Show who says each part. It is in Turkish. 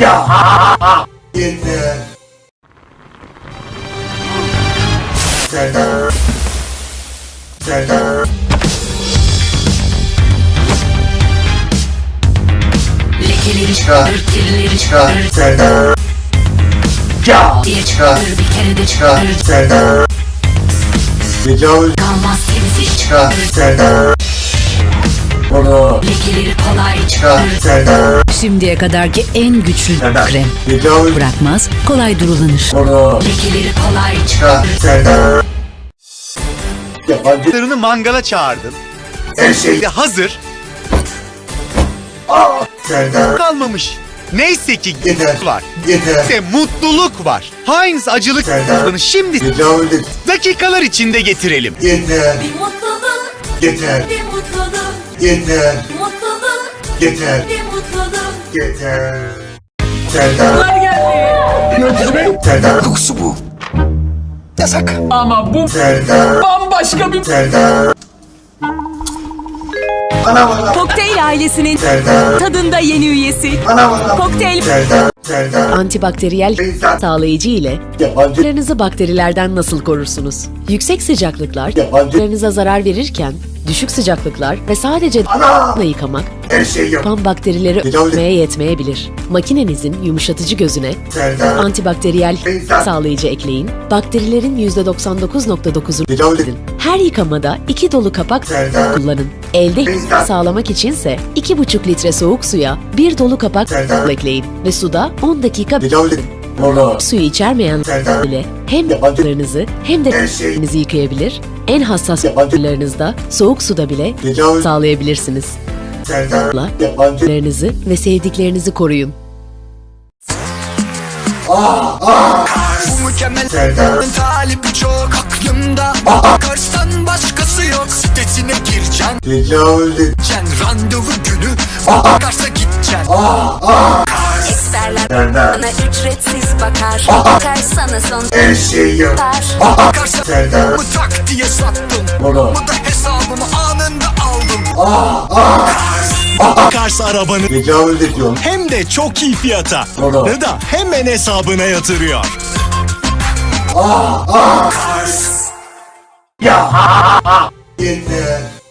Speaker 1: Ya. Yeter. Serdar. Serdar.
Speaker 2: Lekeleri
Speaker 1: Çıkar.
Speaker 2: çıkarır, kirleri
Speaker 1: Çıkar.
Speaker 2: çıkarır
Speaker 1: Serdar. Ya.
Speaker 2: diye
Speaker 1: Çıkar.
Speaker 2: çıkarır, bir kere de
Speaker 1: Çıkar.
Speaker 2: çıkarır.
Speaker 1: Serdar. Tecavüz.
Speaker 2: Kalmaz temizlik
Speaker 1: Çıkar.
Speaker 2: çıkarır.
Speaker 1: Serdar. Bunu.
Speaker 2: Lekeleri kolay
Speaker 1: Çıkar.
Speaker 2: çıkarır.
Speaker 1: Serdar.
Speaker 3: Şimdiye kadarki en güçlü
Speaker 1: Serdar.
Speaker 3: krem.
Speaker 1: Tecavüz.
Speaker 3: Bırakmaz, kolay durulanır.
Speaker 1: Bunu.
Speaker 2: Lekeleri kolay
Speaker 1: Çıkar.
Speaker 2: çıkarır.
Speaker 1: Serdar. Yabancı.
Speaker 4: Larını mangala çağırdım.
Speaker 1: Her şey.
Speaker 4: Ve hazır
Speaker 1: Serdar.
Speaker 4: kalmamış. Neyse ki
Speaker 1: Yeter.
Speaker 4: var.
Speaker 1: Yeter.
Speaker 4: Ve mutluluk var. Heinz acılık
Speaker 1: Serdar.
Speaker 4: tadını şimdi
Speaker 1: Tecavüz et.
Speaker 4: dakikalar içinde getirelim.
Speaker 1: Yeter.
Speaker 2: Bir mutluluk,
Speaker 1: Yeter.
Speaker 2: bir mutluluk,
Speaker 1: Yeter.
Speaker 2: mutluluk,
Speaker 1: Yeter.
Speaker 2: bir mutluluk.
Speaker 1: Yeter. Serdar.
Speaker 5: Yönetici Bey,
Speaker 1: Serdar.
Speaker 5: kokusu bu. Yasak.
Speaker 6: Ama bu
Speaker 1: Serdar.
Speaker 6: bambaşka bir...
Speaker 1: Serdar. Ana bana.
Speaker 7: Kokteyl ailesinin
Speaker 1: Serdar.
Speaker 7: tadında yeni üyesi.
Speaker 1: Ana bana.
Speaker 7: Kokteyl
Speaker 1: Serdar. Serdar.
Speaker 3: Antibakteriyel
Speaker 1: İnsan.
Speaker 3: sağlayıcı ile
Speaker 1: Yabancı.
Speaker 3: larınızı bakterilerden nasıl korursunuz? Yüksek sıcaklıklar
Speaker 1: Yabancı.
Speaker 3: larınıza zarar verirken düşük sıcaklıklar ve sadece
Speaker 1: Ana.
Speaker 3: yıkamak
Speaker 1: Her şey yok.
Speaker 3: yapan bakterileri
Speaker 1: Tecavüz-
Speaker 3: öldürmeye yetmeyebilir. Makinenizin yumuşatıcı gözüne
Speaker 1: Serdar.
Speaker 3: antibakteriyel
Speaker 1: İnsan.
Speaker 3: sağlayıcı ekleyin. Bakterilerin %99.9'unu
Speaker 1: Tecavüz et.
Speaker 3: her yıkamada 2 dolu kapak
Speaker 1: Serdar.
Speaker 3: kullanın. Elde
Speaker 1: İnsan.
Speaker 3: sağlamak içinse 2,5 litre soğuk suya 1 dolu kapak
Speaker 1: Serdar.
Speaker 3: ekleyin ve suda 10 dakika
Speaker 1: Tecavüz et. Bunu.
Speaker 3: suyu içermeyen
Speaker 1: Serdar.
Speaker 3: ile hem
Speaker 1: Yabancı.
Speaker 3: larınızı hem de
Speaker 1: Her şey.
Speaker 3: elinizi yıkayabilir. En hassas
Speaker 1: Yabancı.
Speaker 3: larınızda soğuk suda bile
Speaker 1: Tecavüz.
Speaker 3: sağlayabilirsiniz.
Speaker 1: Serdar.
Speaker 3: La-
Speaker 1: Yabancı.
Speaker 3: Larınızı ve sevdiklerinizi koruyun.
Speaker 5: Bu mükemmel
Speaker 1: Serdar.
Speaker 5: talibi çok aklımda. Kars'tan başkası yok. Sitesine gireceksin.
Speaker 1: Tecavüz et.
Speaker 5: Randevu günü. Kars'a gideceksin.
Speaker 8: Eksperler
Speaker 1: Serdar.
Speaker 8: bana ücretsiz bakar. Ters sana son
Speaker 1: Her şey yok.
Speaker 5: Kars'a
Speaker 1: Serdar.
Speaker 5: mı tak diye sattım.
Speaker 1: Bunu.
Speaker 5: Bu da hesabımı anında aldım.
Speaker 9: Kars arabanı
Speaker 1: Tecavüz ediyorsun.
Speaker 9: hem de çok iyi fiyata
Speaker 1: Doğru.
Speaker 9: da hemen hesabına yatırıyor.
Speaker 1: Ya. Yeter.